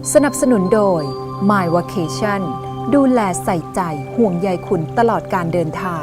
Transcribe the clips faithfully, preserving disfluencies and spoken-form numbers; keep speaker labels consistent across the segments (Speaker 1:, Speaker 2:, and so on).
Speaker 1: สนับสนุนโดย My Vacation ดูแลใส่ใจห่วงใยคุณตลอดการเดินทาง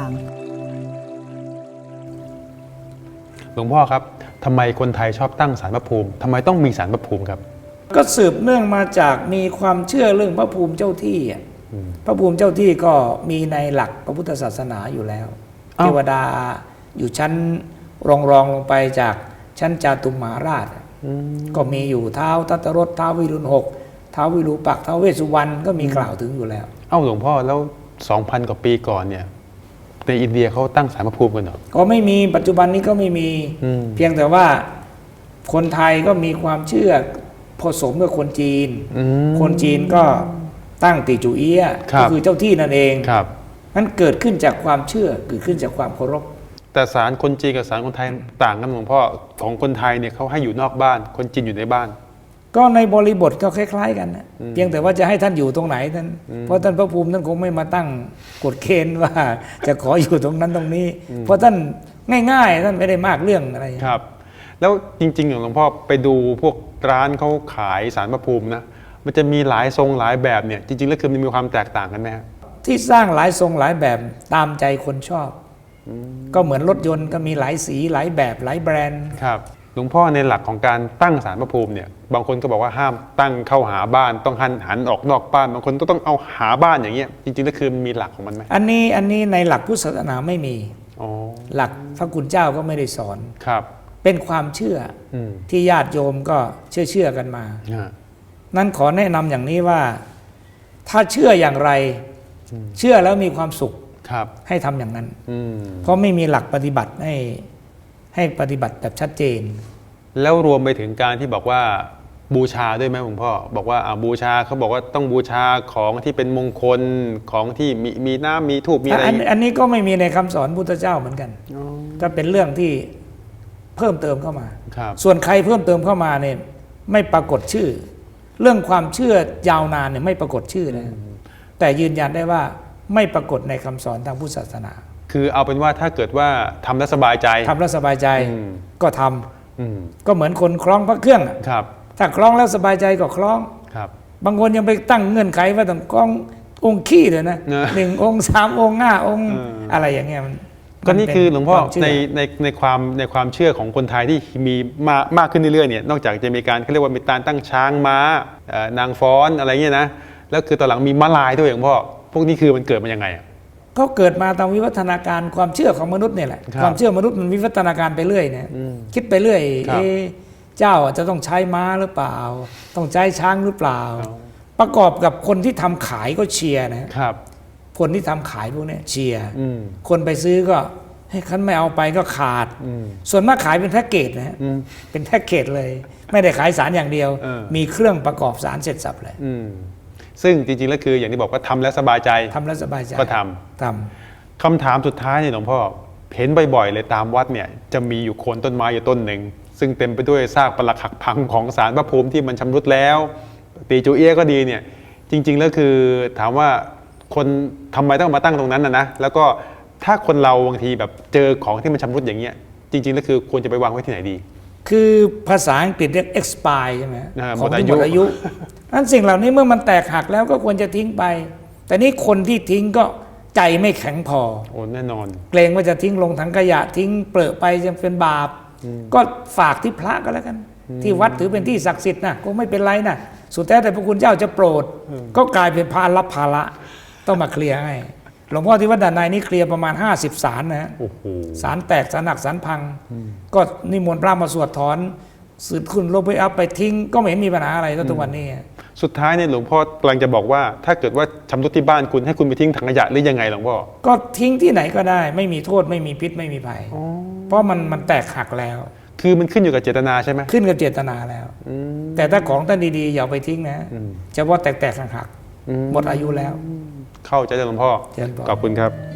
Speaker 2: หลวงพ่อครับทำไมคนไทยชอบตั้งศาลพระภูมิทำไมต้องมีศาลพระภูมิครับ
Speaker 3: ก็สืบเนื่องมาจากมีความเชื่อเรื่องพระภูมิเจ้าที่พระภูมิเจ้าที่ก็มีในหลักพระพุทธศาสนาอยู่แล้วเทวดาอยู่ชั้นรองรองลงไปจากชั้นจาตุมหาราชก็มีอยู่เท้าทัตตรสเท้าวิรุณหกเท้าวิรูปักษ์เท้าเวสสุวรรณก็มีกล่าวถึงอยู่แล้ว
Speaker 2: เอ้าหลวงพ่อแล้ว สองพัน กว่าปีก่อนเนี่ยในอินเดียเขาตั้งศาลพระภูมิกันเหรอ
Speaker 3: ก็ไม่มีปัจจุบันนี้ก็ไม่มีเพียงแต่ว่าคนไทยก็มีความเชื่อผสมกับคนจีนคนจีนก็ตั้งติจูเอียะก็คือเจ้าที่นั่นเองนั้นเกิดขึ้นจากความเชื่อเกิดขึ้นจากความเคารพ
Speaker 2: แต่ศาลคนจีนกับศาลคนไทยต่างกันหลวงพ่อของคนไทยเนี่ยเขาให้อยู่นอกบ้านคนจีนอยู่ในบ้าน
Speaker 3: ก็ในบริบทก็คล้ายๆกันนะเพียงแต่ว่าจะให้ท่านอยู่ตรงไหนท่านเพราะท่านพระภูมิท่านคงไม่มาตั้งกฎเกณฑ์ว่าจะขออยู่ตรงนั้นตรงนี้เพราะท่านง่ายๆท่านไม่ได้มากเรื่องอะไร
Speaker 2: ครับแล้วจริงๆอย่างหลวงพ่อไปดูพวกร้านเขาขายศาลพระภูมินะมันจะมีหลายทรงหลายแบบเนี่ยจริงๆแล้วคือมันมีความแตกต่างกันไหมครับ
Speaker 3: ที่สร้างหลายทรงหลายแบบตามใจคนชอบก็เหมือนรถยนต์ก็มีหลายสีหลายแบบหลายแบรนด์
Speaker 2: ครับหลวงพ่อในหลักของการตั้งศาลพระภูมิเนี่ยบางคนก็บอกว่าห้ามตั้งเข้าหาบ้านต้องหันหันออกนอกบ้านบางคนก็ต้องเอาหาบ้านอย่างเงี้ยจริงๆแล้วคือมีหลักของมันไหม
Speaker 3: อันนี้อันนี้ในหลักพุทธศาสนาไม่มีหลักพระคุณเจ้าก็ไม่ได้สอน
Speaker 2: ครับ
Speaker 3: เป็นความเชื่อที่ญาติโยมก็เชื่อเชื่อกันมานั้นขอแนะนำอย่างนี้ว่าถ้าเชื่ออย่างไรเชื่อแล้วมีความสุขให้ทำอย่างนั้นเพราะไม่มีหลักปฏิบัติให้ให้ปฏิบัติแบบชัดเจน
Speaker 2: แล้วรวมไปถึงการที่บอกว่าบูชาด้วยไหมหลวงพ่อบอกว่าอ่าบูชาเขาบอกว่าต้องบูชาของที่เป็นมงคลของที่มีมีน้ำมีธูปมีอะไร
Speaker 3: อันนี้ก็ไม่มีในคำสอนพุทธเจ้าเหมือนกันก็เป็นเรื่องที่เพิ่มเติมเข้ามาส่วนใครเพิ่มเติมเข้ามาเนี่ยไม่ปรากฏชื่อเรื่องความเชื่อยาวนานเนี่ยไม่ปรากฏชื่อนะแต่ยืนยันได้ว่าไม่ปรากฏในคำสอนทางพุทธศาสนา
Speaker 2: คือเอาเป็นว่าถ้าเกิดว่าทำแล้วสบายใจ
Speaker 3: ทำแล้วสบายใจก็ทำก็เหมือนคนคล้องพระเครื่องถ้าคล้องแล้วสบายใจก็คล้องบางคนยังไปตั้งเงื่อนไขว่าต้องคล้ององค์ขี้เลยนะหนึ่งองค์สามองค์ห้าองค์อะไรอย่างเงี้ยมัน
Speaker 2: ก็นี่คือหลวงพ่อในในในความในความเชื่อของคนไทยที่มีมามากขึ้นเรื่อยๆเนี่ยนอกจากจะมีการเขาเรียกว่ามีการตั้งช้างม้านางฟ้อนอะไรเงี้ยนะแล้วคือตอนหลังมีม้าลายด้วยหลวงพ่อพวกนี้คือมันเกิดมายังไงอ่ะ
Speaker 3: ก็เกิดมาตามวิวัฒนาการความเชื่อของมนุษย์เนี่ยแหละความเชื่อมนุษย์มันวิวัฒนาการไปเรื่อยเนี่ยคิดไปเรื่อยเจ้าจะต้องใช้ม้าหรือเปล่าต้องใช้ช้างหรือเปล่าประกอบกับคนที่ทำขายก็เชียร์นะครับคนที่ทำขายพวกนี้เชียร์คนไปซื้อก็ให้คันไม่เอาไปก็ขาดส่วนมากขายเป็นแพ็กเกจนะฮะเป็นแพ็กเกจเลยไม่ได้ขายสารอย่างเดียวมีเครื่องประกอบสารเสร็จสับเลย
Speaker 2: ซึ่งจริงๆแล้วคืออย่างที่บอกว่าทำแล้วสบายใจ
Speaker 3: ทำแล้วสบายใจ
Speaker 2: ก็ทำทำคำถามสุดท้ายเนี่ยหลวงพ่อเห็นบ่อยๆเลยตามวัดเนี่ยจะมีอยู่โคนต้นไม้อยู่ต้นหนึ่งซึ่งเต็มไปด้วยซากปรักหักพังของศาลพระภูมิที่มันชำรุดแล้วตีจูเอี้ยก็ดีเนี่ยจริงๆแล้วคือถามว่าคนทำไมต้องมาตั้งตรงนั้นนะนะแล้วก็ถ้าคนเราบางทีแบบเจอของที่มันชำรุดอย่างเงี้ยจริงๆแล้วคือควรจะไปวางไว้ที่ไหนดี
Speaker 3: คือภาษาอังกฤษเรียก expire ใช่ไหมของที่หมดอายุนั้นสิ่งเหล่านี้เมื่อมันแตกหักแล้วก็ควรจะทิ้งไปแต่นี่คนที่ทิ้งก็ใจไม่แข็งพอ
Speaker 2: โอ้แน่นอน
Speaker 3: เกรงว่าจะทิ้งลงถังขยะทิ้งเปลือไปจะเป็นบาปก็ฝากที่พระก็แล้วกันที่วัดถือเป็นที่ศักดิ์สิทธิ์นะก็ไม่เป็นไรนะสุดแท้แต่พระคุณเจ้าจะโปรดก็กลายเป็นพระรับภาระต้องมาเคลียร์ให้หลวงพ่อที่วัดด่านในนี่เคลียร์ประมาณห้าสิบศาลนะศาลแตกศาลหนักศาลพังก็นิมนต์พระมาสวดถอนสืบขึ้นลบไปอัพไปทิ้งก็ไม่เห็นมีปัญหาอะไรทุกวันนี้
Speaker 2: สุดท้ายเนี่ยหลวงพ่อกำลังจะบอกว่าถ้าเกิดว่าชำรุดที่บ้านคุณให้คุณไปทิ้งถังขยะหรือยังไงหลวงพ่อ
Speaker 3: ก็ทิ้งที่ไหนก็ได้ไม่มีโทษไม่มีพิษไม่มีภัยเพราะมันมันแตกหักแล้ว
Speaker 2: คือมันขึ้นอยู่กับเจตนาใช่ไหม
Speaker 3: ขึ้นกับเจตนาแล้วแต่ถ้าของท่านดีๆอย่าไปทิ้งนะเฉพาะแตกๆหักๆหมดอายุแล้ว
Speaker 2: เข้าใจหลวงพ่อขอบคุณครับ